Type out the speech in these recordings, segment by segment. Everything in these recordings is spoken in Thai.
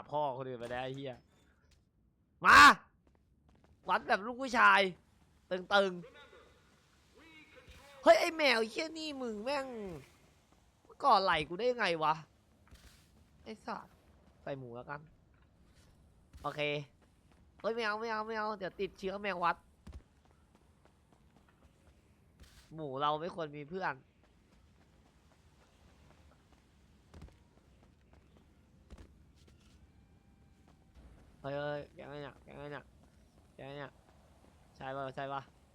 พ่อคนอื่นไปได้ไอ้เหี้ยมาวัดแบบลูกผู้ชายตึงๆเฮ้ยไอแมวเหี้ยนี่มึงแม่งก่อไหลกูได้ยังไงวะไอ้สัสใส่หมูแล้วกันโอเคเฮ้ยไม่เอาเดี๋ยวติดเชื้อแมววัดหมูเราไม่ควรมีเพื่อนเฮ้ยแกไงเนี่ยใช่ปะใช่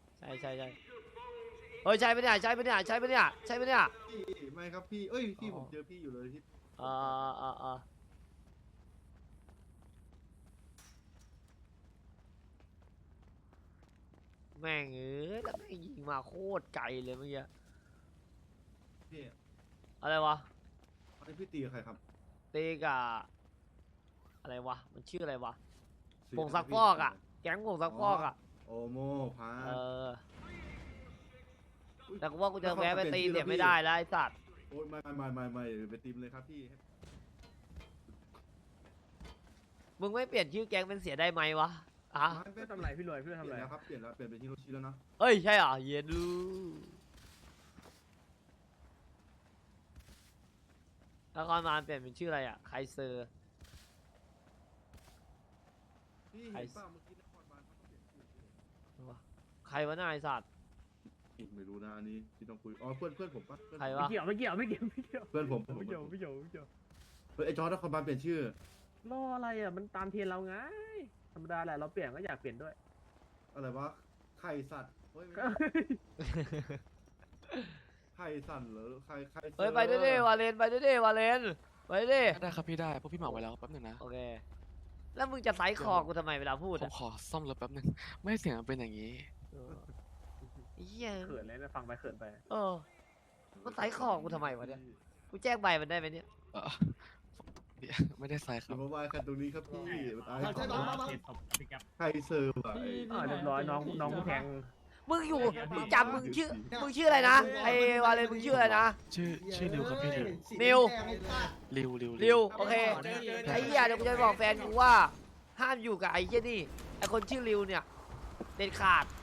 เฮ้ยใช่ปะเนี่ยไม่ครับพี่เอ้ยพี่ผมเจอพี่อยู่เลยที่เออแม่งแล้วแม่งยิงมาโคตรไกลเลยเมื่อกี้พี่อะไรวะอันนี้พี่ตีกับใครครับตีกับอะไรวะมันชื่ออะไรวะผงซักฟอกอ่ะแก๊งผงซักฟอกอ่ะโอโมพาแต่กูว่ากูจะแวะไปตีเสียไม่ได้แล้วไอ้สัตว์โอ้ยไม่ไปตีมเลยครับพี่มึงไม่เปลี่ยนชื่อแก๊งเป็นเสียได้ไหมวะอ่ะเพื่อทำไรพี่รวยเพื่อเปทำลี่ยไรนแล้วครับเปลี่ยนเป็นฮิโรชิแล้วนะเอ้ยใช่เหรอเย็นดูแล้วคอนมานเปลี่ยนเป็นชื่ออะไรอ่ะไคเซอร์พี่เห็นป่ะเมื่อกี้นครบาลเขาต้องเปลี่ยนชื่อใครวะนายสัตว์ไม่รู้นะอันนี้ที่ต้องคุยอ๋อเพื่อนผมปะใครไม่วะเกี่ยวเพื่อนผมไม่เกี่ยวเฮ้ยไอจอร์ดนครบาลเปลี่ยนชื่อรออะไรอ่ะมันตามเทรนเราไงธรรมดาแหละเราเปลี่ยนก็อยากเปลี่ยนด้วยอะไรวะไข่สัตว์เฮ้ยไข่สัตว์เหรอไข่เฮ้ยไปด้วยดิวาเลนไปด้วยดิได้ครับพี่ได้พวกพี่เหมาไว้แล้วแป๊บหนึงนะโอเคแล้วมึงจะไซส์คอกูทำไมเวลาพูดผมอ่ะขอซ่อมรถแป๊บหนึงไม่ให้เสียงมันเป็นอย่างนี้เหี้ยเขินเลยนะฟังไปเขินไปมันไซส์คอกูทำไมวะเนี่ยกูแจ้งใบมันได้ไหมเนี่ยเออเดี๋ยวไม่ได้ไซส์คอรับย่ามาว่ากันตรงนี้ครับพี่ตายใช่น้องมาไข่เซอร์ว่ะเรียบร้อยน้องแทงมึงมึงจำมึงชื่ออะไรนะไอ้วาเลนมึงชื่ออะไรนะชื่อริวครับพี่ริวนิวริวโอเคไอ้เหี้ยเดี๋ยวกูจะไปบอกแฟนกูว่าห้ามอยู่กับไอ้เหี้ยนี่ไอ้คนชื่อริวเนี่ยเด็ดขาด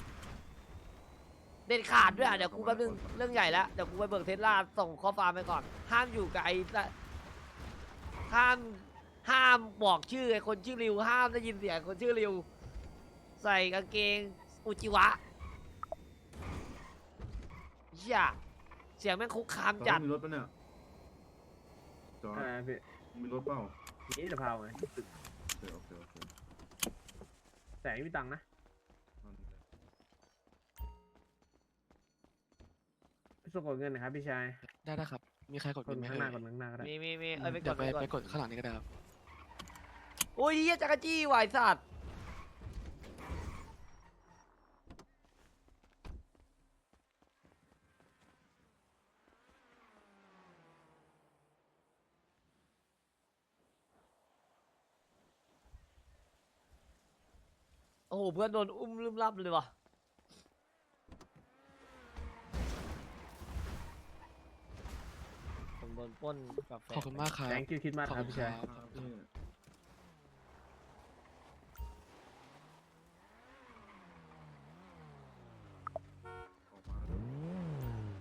ด้วยอ่ะเดี๋ยวกูแป๊บนึงเรื่องใหญ่แล้วเดี๋ยวกูไปเบิกเทสลาส่งข้อความไปก่อนห้ามอยู่กับไอ้ห้ามบอกชื่อไอ้คนชื่อริวห้ามได้ยินเสียงคนชื่อริวใส่กางเกงอุจิวะเหี้ยเสียงแม่งคุกคามจัดมีรถปะเนี่ยจอร์ดพี่มีรถเปล่านี่จะพาไงโอเคแต่ไม่มีตังค์นะพี่ส่งกดเงินนะครับพี่ชายได้ครับมีใครกดกบิดนไหมข้างหเอ่น้าย กดข้างหน้าก็ได้มีไปกเดี๋ยดวไปก่อนกดข้างหลังนี้ก็ได้ครับโอ้ยเหี้ยจักรจี้วายสัตว์โอ้โหเพื่อนโดนอุ้มลืมลับเลยว่ะผมโดนปล้นกาแฟขอบคุณมากครับแตงคิวคิดมากขอบครับคุณพี่คชารัยบนี่ออกมาแล้ว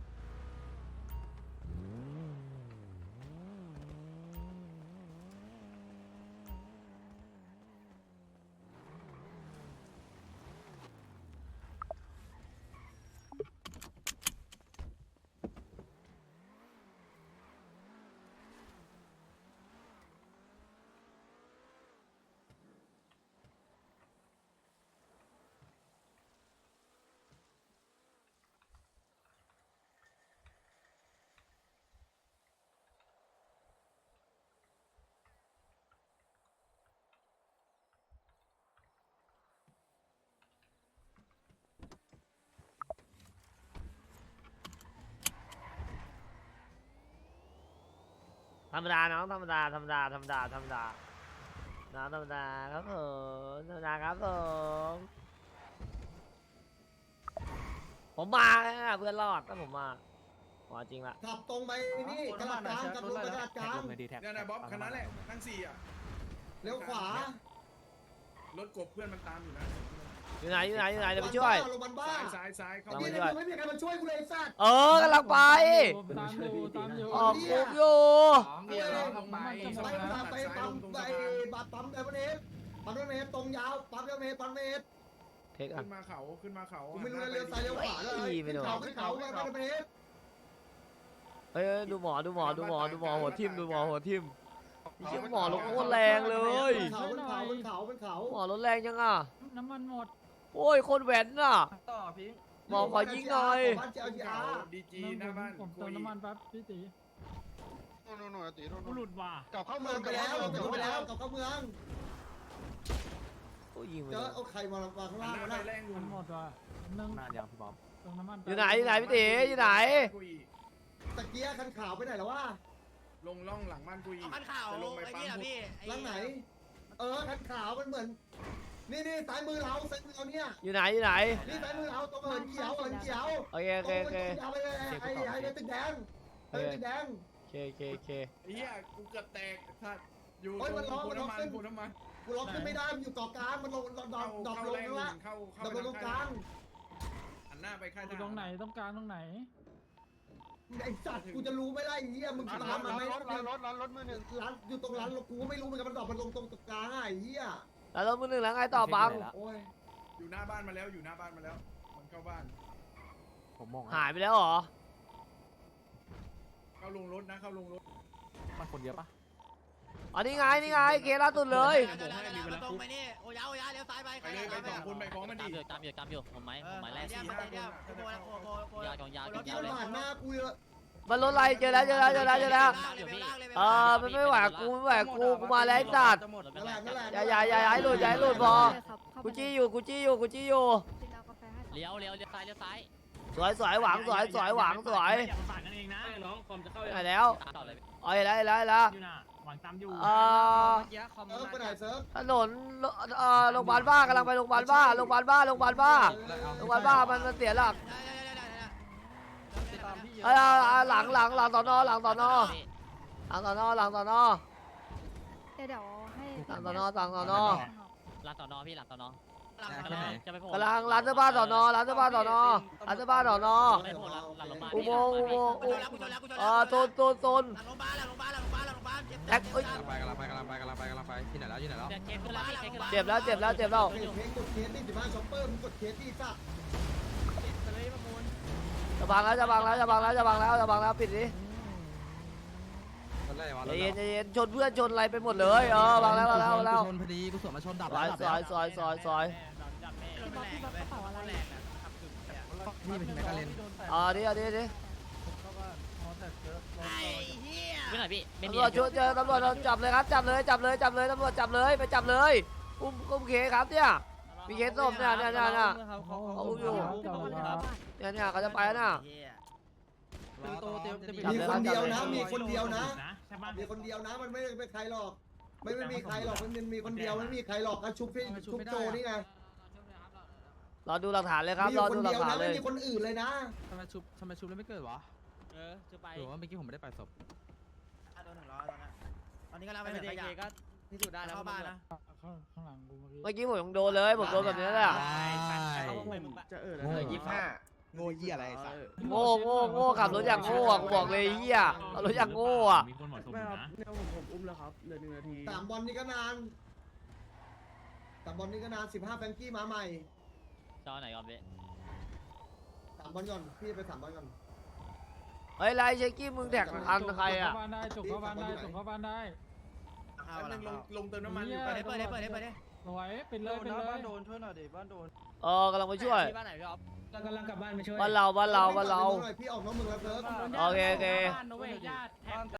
ธรรมดาน้องธรรมดาน้องธรรมดาครับผมมาเพื่อนรอดถ้าผมมาจริงละขับตรงไปนี่กระดาษกลางขับลงกระดาษกลางเนี่ยนะบ๊อบคันนั้นแหละทั้งสี่อ่ะเลี้ยวขวารถกบเพื่อนมันตามอยู่นะอยู่ไหนอยู่ไหนอยู่ไหนเดี๋ยวไปช่วยลงมันบ้าซ้ายเข้าไอ้ลงนี่มาไม่มีใครมาช่วยกูเลยไอ้สัตว์กำลังไปตามอยู่ออกคุกอยู่เดี๋ยวเราทำไมไปปั๊มไปบัตรปั๊มเดมเนสปั๊มเดมเนสตรงยาวปั๊มเดมเนสปั๊มเดมเนสเทคอ่ะขึ้นมาเขากูไม่รู้เลี้ยวซ้ายเลี้ยวขวาเลยขึ้นเขาไปปั๊มเดมเนสเฮ้ยดูหมอหัวทิ่มดูหมอหัวทิ่มเชี่ยหมอรถโคตรแรงเลยเป็นเขาหมอรถแรงยังอ่ะน้ำมันหมดโอ้ยคนแหวนน่ะต่อพี่หมอขอยิงหน่อยบ้านเจ้าจีอาดีจีหน้าบ้านผมเติมน้ำมันแป๊บพี่ตีโน่ตีกูหลุดว่ะกลับเข้าเมืเมืออง งไปแล้วไปแล้วกับเข้าเมืองโอ้ยยิงไปเจเลอย เอาใครมาข้างล่างหวะน้านะแรงลุมังนหมดว่ะนึ่งนานยังพี่บ๊อบเติมน้ำมันอยู่ไหนพี่ตีอยู่ไหนตะเกียคันขาวไปไหนแล้ววะลงล่องหลังบ้านกูอีกขันข่าวจะลงไปไอ้ปั๊นี่มเหรอพี่ล่างไหนคันขาวมันเหมือนนี่ซ้ายมือเราเนี่ยอยู่ไหนอยู่ไหนนี่ซ้ายมือเราตรงเหินเขียวโอเคโอเคโอเคเอาไปเลยไอ้ตึกแดงตึกแดงโอเคโอเคโอเคไอ้เหี้ยกูเกือบแตกถ้าอยู่โอ้ยมันร้องปูมันร้องน้ำมันขึ้นปูน้ำมันกูล็อกขึ้นไม่ได้มันอยู่เกาะกลางมันลงดอกลงแล้วละเข้าดอกลงตรงกลางหันหน้าไปค่ายทหารตรงไหนต้องกลางตรงไหนไอ้สัตว์กูจะรู้ไม่ได้ไอ้เหี้ยมึงตามมาไหมรถมือหนึ่งร้านอยู่ตรงร้านกูไม่รู้เหมือนกันมันดอกมันลงตรงกลางไอ้เหี้ยแล้วรถมือหนึ่งแล้วไงต่อบังโอ้ยอยู่หน้าบ้านมาแล้วมันเข้าบ้านผมมองหายไปแล้วเหรอเข้าลงรถนะเข้าลงรถมันคนเยอะปะอ๋อนี่ไงเคล่าสุดเลยตรงไปนี่โอ้ยเลี้ยวซ้ายไปไปเลยไป2คนไปพร้อมมันดิตามอยู่ผมไม้แรกเนี่ยโคยาวกองยาวเมื่อกี้มันผ่านหน้ากูเลยมันรถอะไรเจอแล้วมันไม่ไหวกูมาแล้วไอ้สัตว์นั่นแหละอย่าให้หลุดพอกูจี้อยู่เลี้ยวซ้ายสวยหวังสวยหวังสวยอย่าประสานกันเองนะน้องคอมจะเข้าไหนแล้วต่อเลยอ๋อเห็นแล้วอยู่น่ะหวังตามอยู่ไปไหนเซิร์ฟถนนโรงพยาบาลบ้ากำลังไปโรงพยาบาลบ้ามันเสียหลักหลังสอนอหลังสอนอเดี๋ยวให้หลังสอนอหลังสอนอพี่หลังสอนอจะไปโผล่กำลังร้านเสื้อผ้าสอนอหลังโรงพยาบาลอุโมงค์โซนหลังโรงพยาบาลแท็กเอ้ยกำลังไปที่ไหนแล้วเจ็บแล้วเพลงกดเคสที่15ช็อปเปอร์มึงกดเคสที่สัตว์จะบังแล้วปิดดิใจเย็นชนเพื่อนชนอะไรไปหมดเลยบังแล้วชนพอดีกูสวนมาชนดับซอยพี่บอกกระเป๋าอะไรนี่เป็นแมกกาเลนดิไอ้เหี้ยไม่หน่อยพี่ไม่ตำมีรวจช่วยเจอตำรวจจับเลยครับจับเลยตำรวจจับเลยไปจับเลยอุ้มเคครับเนี่ยมีเคสส้มเนี่ยเขาอุ้มอยู่เนี่ยเขาจะไปแล้วนะมีคนเดียวนะมีคนเดียวนะมันไม่เป็นใครหรอกไม่มีใครหรอกมันมีคนเดียวไม่มีใครหรอกก็ชุบโจนี่ไงรอดูหลักฐานเลยครับรอดูหลักฐานเลยไม่มีคนอื่นเลยนะทำไมชุบแล้วไม่เกิดวะจะไปหรือว่าเมื่อกี้ผมไม่ได้ไปศพโดน100ตอนนี้กำลังไปเด็กก็พิสูจน์ได้แล้วเข้าบ้านนะข้างหลังกูเมื่อกี้เมื่อกี้ผมยังโดนเลยผมโดนแบบนี้แหละจะเออโง่ยี่อะไรสัตว์โง่ขับรถอย่างโง่กูบอกเลยเฮียขับรถอย่างโง่อะมีคนหมดสมนะเนี่ยผมอุ้มแล้วครับเหลือ1 นาที 3 บอลนี่ก็นาน15แฟงกี้มาใหม่จอไหนก่อนพี่ 3 บอลก่อนพี่ไป3 บอลก่อนเฮ้ยไรเชคกี้มึงแท็กอันใครอะจบเข้าบ้านได้ลงเติมน้ำมันอยู่เปิดได้สวยเป็นเลยบ้านโดนกำลังไปช่วยที่บ้านไหนพี่อ๊อฟกำลังกลับบ้านไปช่วยบ้านเราพี่ออกนอกเมืองแล้วเซิร์ฟโอเคบ้านนะเว้ยญาติแท็ก